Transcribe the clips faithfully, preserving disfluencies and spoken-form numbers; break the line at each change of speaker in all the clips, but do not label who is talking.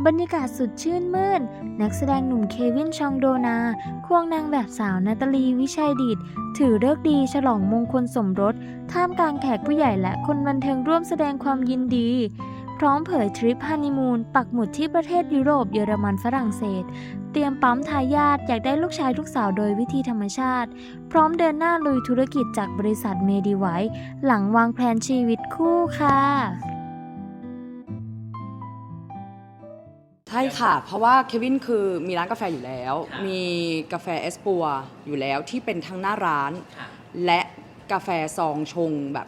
บรรยากาศสุดชื่นมื่นนักแสดงหนุ่มเควินชองโดนาควงนางแบบสาวนาตาลีวิชัยดิษฐ์ถือฤกษ์ดีฉลองมงคลสมรสท่ามกลางแขกผู้ใหญ่และคนบันเทิงร่วมแสดงความยินดีพร้อมเผยทริปฮันนีมูนปักหมุดที่ประเทศยุโรปเยอรมันฝรั่งเศสเตรียมปั๊มทายาทอยากได้ลูกชายลูกสาวโดยวิธีธรรมชาติพร้อมเดินหน้าลุยธุรกิจจากบริษัทเมดิไวท์หลังวางแผนชีวิตคู่ค่ะ
ใช่ค่ะเพราะว่าเควินคือมีร้านกาแฟอยู่แล้วมีกาแฟเอสปัวอยู่แล้วที่เป็นทั้งหน้าร้านและกาแฟซองชงแบบ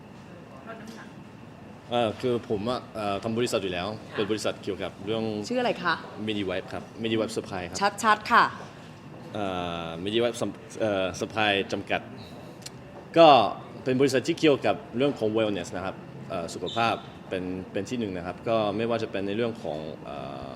เออคือผมอะเอ่อทำบริษัทอยู่แล้วเป็นบริษัทเกี่ยวกับเรื่อง
ชื่ออะไรคะ
MediWipe ครับ MediWipe Supply ครับ
ชัดๆค่ะ
เอ่อ MediWipe เอ่อ Supply จำกัดก็เป็นบริษัทที่เกี่ยวกับเรื่องของ wellness นะครับเอ่อสุขภาพเป็นเป็นที่หนึ่งนะครับก็ไม่ว่าจะเป็นในเรื่องของเอ่อ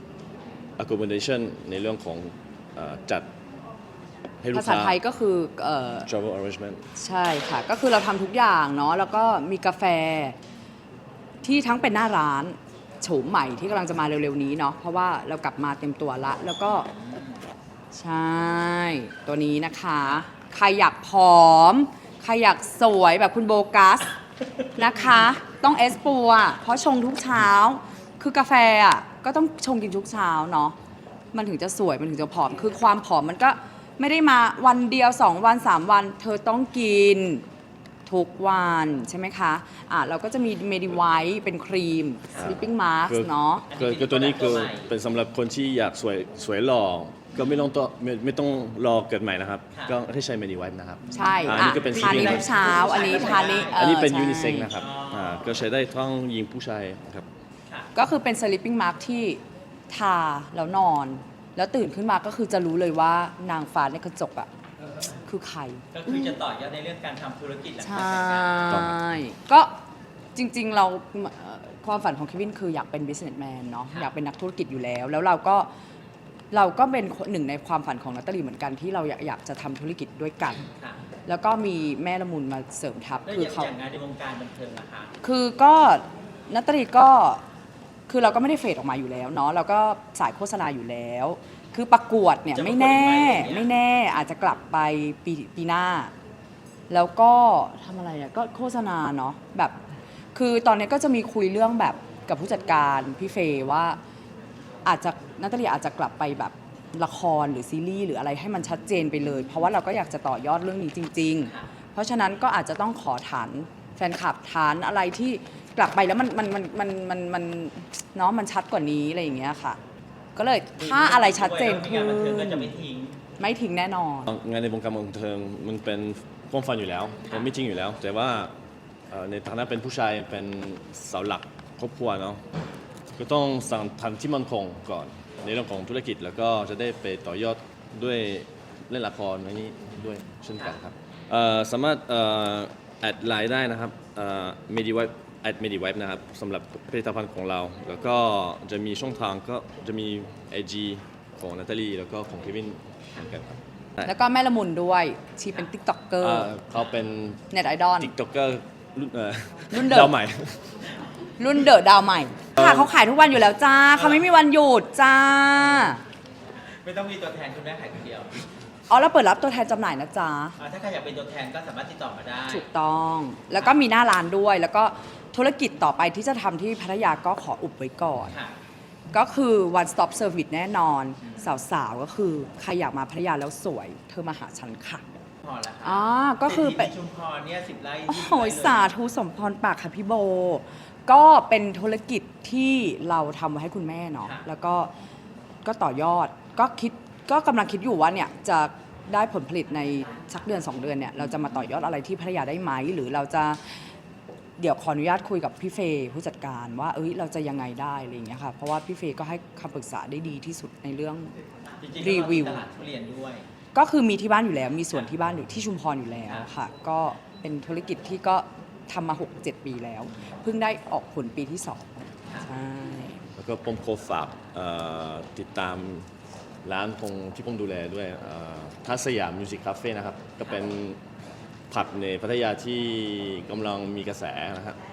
accommodation ในเรื่องของเอ่อจัดให้ลูกค้า
ภาษาไทยก็คือเอ่อ
travel arrangement
ใช่ค่ะก็คือเราทำทุกอย่างเนาะแล้วก็มีกาแฟที่ทั้งเป็นหน้าร้านโฉมใหม่ที่กำลังจะมาเร็วๆนี้เนาะเพราะว่าเรากลับมาเต็มตัวละแล้วก็ใช่ตัวนี้นะคะใครอยากผอมใครอยากสวยแบบคุณโบกัสนะคะต้องเอสปัวเพราะชงทุกเช้าคือกาแฟอ่ะก็ต้องชงกินทุกเช้าเนาะมันถึงจะสวยมันถึงจะผอมคือความผอมมันก็ไม่ได้มาวันเดียวสองวันสามวันเธอต้องกินทุกวันใช่ไหมคะอ่ะเราก็จะมีเมดิไวท์เป็นครีม sleeping mask เนาะ
คือคือตัวนี้คือเป็นสำหรับคนที่อยากสวยสวยหล่อก็ไม่ต้องต่อไม่ไม่ต้องรอเกิดใหม่นะครับก็ให้ใช้ MediWipe นะครับ
ใช่
อันนี้ก็เป็น
ทานนี้ทุกเช้าอันนี้ทานนี้
อันนี้เป็นยูนิเซ็กนะครับอ่าก็ใช้ได้ทั้งหญิงผู้ชายครับ
ก็คือเป็น sleeping mask ที่ทาแล้วนอนแล้วตื่นขึ้นมาก็คือจะรู้เลยว่านางฟ้าในกระจกอ่ะคือใคร
ก็คือจะต่อยอดในเรื่องการทำธุรกิจหลัง
ใช
จากแต่งงาน่
ก็จริงๆเราความฝันของเควินคืออยากเป็น businessman เนาะอยากเป็นนักธุรกิจอยู่แล้วแล้วเราก็เราก็เป็นหนึ่งในความฝันของนัตตาลีเหมือนกันที่เราอยากจะทำธุรกิจด้วยกันแล้วก็มีแม่ละมุนมาเสริมทัพ
คือเขาอย่างงานในวงการบันเทิงนะคะ
คือก็นัตตาลีก็คือเราก็ไม่ได้เฟดออกมาอยู่แล้วเนาะเราก็สายโฆษณาอยู่แล้วคือประกวดเนี่ยไม่แน่ไม่แน่อาจจะกลับไปปีปีหน้าแล้วก็ทำอะไรเนี่ยก็โฆษณาเนาะแบบคือตอนนี้ก็จะมีคุยเรื่องแบบกับผู้จัดการพี่เฟย์ว่าอาจจะนัตตาลีอาจจะกลับไปแบบละครหรือซีรีส์หรืออะไรให้มันชัดเจนไปเลยเพราะว่าเราก็อยากจะต่อยอดเรื่องนี้จริงๆเพราะฉะนั้นก็อาจจะต้องขอฐานแฟนคลับฐานอะไรที่กลับไปแล้วมันมันมันมันมันมันเนาะมันชัดกว่านี้อะไรอย่างเงี้ยค่ะก็เลยถ้าอะไรชัดเจนคือ
ไม่ทิ้ง
ไม่ทิ้งแน่นอน
งานในวงการบันเทิงมันเป็นความฝันอยู่แล้วมันไม่จริงอยู่แล้วแต่ว่าในฐานะเป็นผู้ชายเป็นเสาหลักครอบครัวเนาะก็ต้องสั่งทำที่มั่นคงก่อนในเรื่องของธุรกิจแล้วก็จะได้ไปต่อยอดด้วยเล่นละครในนี้ด้วยเช่นกันครับสามารถแอดไลน์ได้นะครับเมดิไวท์แอดเมดิไวท์นะครับสำหรับผลิตภัณฑ์ของเราแล้วก็จะมีช่องทางก็จะมี ไอ จี ของนาตาลีแล้วก็ของเควินเหมือนกันครับ
แล้วก็แม่ละมุนด้วยชีเป็นติ๊กต็อกเกอร์
เขาเป็น
เน็ตไอดอล
ติ๊กต็อกเกอร์
รุ่น
ดาวใหม่
รุ่นเดอะดาวใหม่ค่ะเขาขายทุกวันอยู่แล้วจ้าเขาไม่มีวันหยุดจ้า
ไม่ต้องมีตัวแทนคุณแม่ขายคนเดียว
อ๋อแล้วเปิดรับตัวแทนจำหน่ายนะจ๊ะ
ถ้าใครอยากเป็นตัวแทนก็สามารถติดต่อมาได้
ถูกต้องแล้วก็มีหน้าร้านด้วยแล้วก็ธุรกิจต่อไปที่จะทำที่พัทยาก็ขออุบไว้ก่อนก็คือ one stop service แน่นอนสาวๆก็คือใครอยากมาพัทยาแล้วสวยเธอมาหาฉันค่ะ
พอแล้ว
อ๋อก็คือ
เป็นชุมพรเนี่ยสิบไร่
โอ้ยสาธุสมพรปากค่ะพี่โบก็เป็นธุรกิจที่เราทำไว้ให้คุณแม่เนาะแล้วก็ก็ต่อยอดก็คิดก็กำลังคิดอยู่ว่าเนี่ยจะได้ผลผลิตในสักเดือนสองเดือนเนี่ยเราจะมาต่อยอดอะไรที่พัทยาได้ไหมหรือเราจะเดี๋ยวขออนุญาตคุยกับพี่เฟย์ผู้จัดการว่าเอ้ยเราจะยังไงได้อะไรอย่างเงี้ยค่ะเพราะว่าพี่เฟย์ก็ให้คำปรึกษาได้ดีที่สุดในเรื่องรีวิวก็คือมีที่บ้านอยู่แล้วมีส่วนที่บ้านอยู่ที่ชุมพรอยู่แล้วค่ะก็เป็นธุรกิจที่ก็ทำมา หกเจ็ด ปีแล้วเพิ่งได้ออกผลปีที่สองใช่
แล้วก็ผมขอฝากติดตามร้านของที่ผมดูแลด้วยทัศยามมิวสิกคาเฟ่นะครับก็เป็นผับในพัทยาที่กำลังมีกระแสนะครับ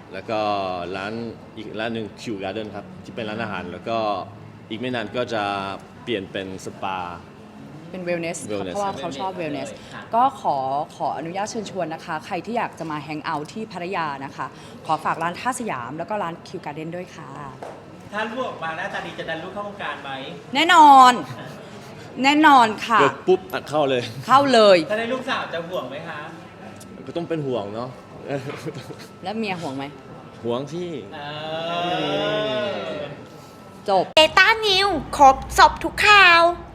แล้วก็ร้านอีกร้านหนึ่ง Q Garden ครับ ที่เป็นร้านอาหาร แล้วก็อีกไม่นานก็จะเปลี่ยนเป็นสปา
เป็นเวลเนส
Wellness
เพราะว่าเขาชอบเวลเนสก็ขอขออนุญาตเชิญชวนนะคะ ใครที่อยากจะมาแฮงเอาท์ที่พัทยานะคะ ขอฝากร้านท่าสยามแล้วก็ร้าน Q Garden ด้วยค่ะ
ถ้าลูกออกมาหน้าตาดีจะดันลูกเข้าวงการไหม
แน่นอน แน่นอนค่ะ
เกิดปุ๊บอัดเข้าเลย
เข้าเลย
ถ้าได้ลูกสาวจะห่วงไหมคะ
ก็ต้องเป็นห่วงเนาะ
แล้วเมียห่วงไหม
ห่วงที่
เออ
จบ
เบต้านิวครบสอบทุกข่าว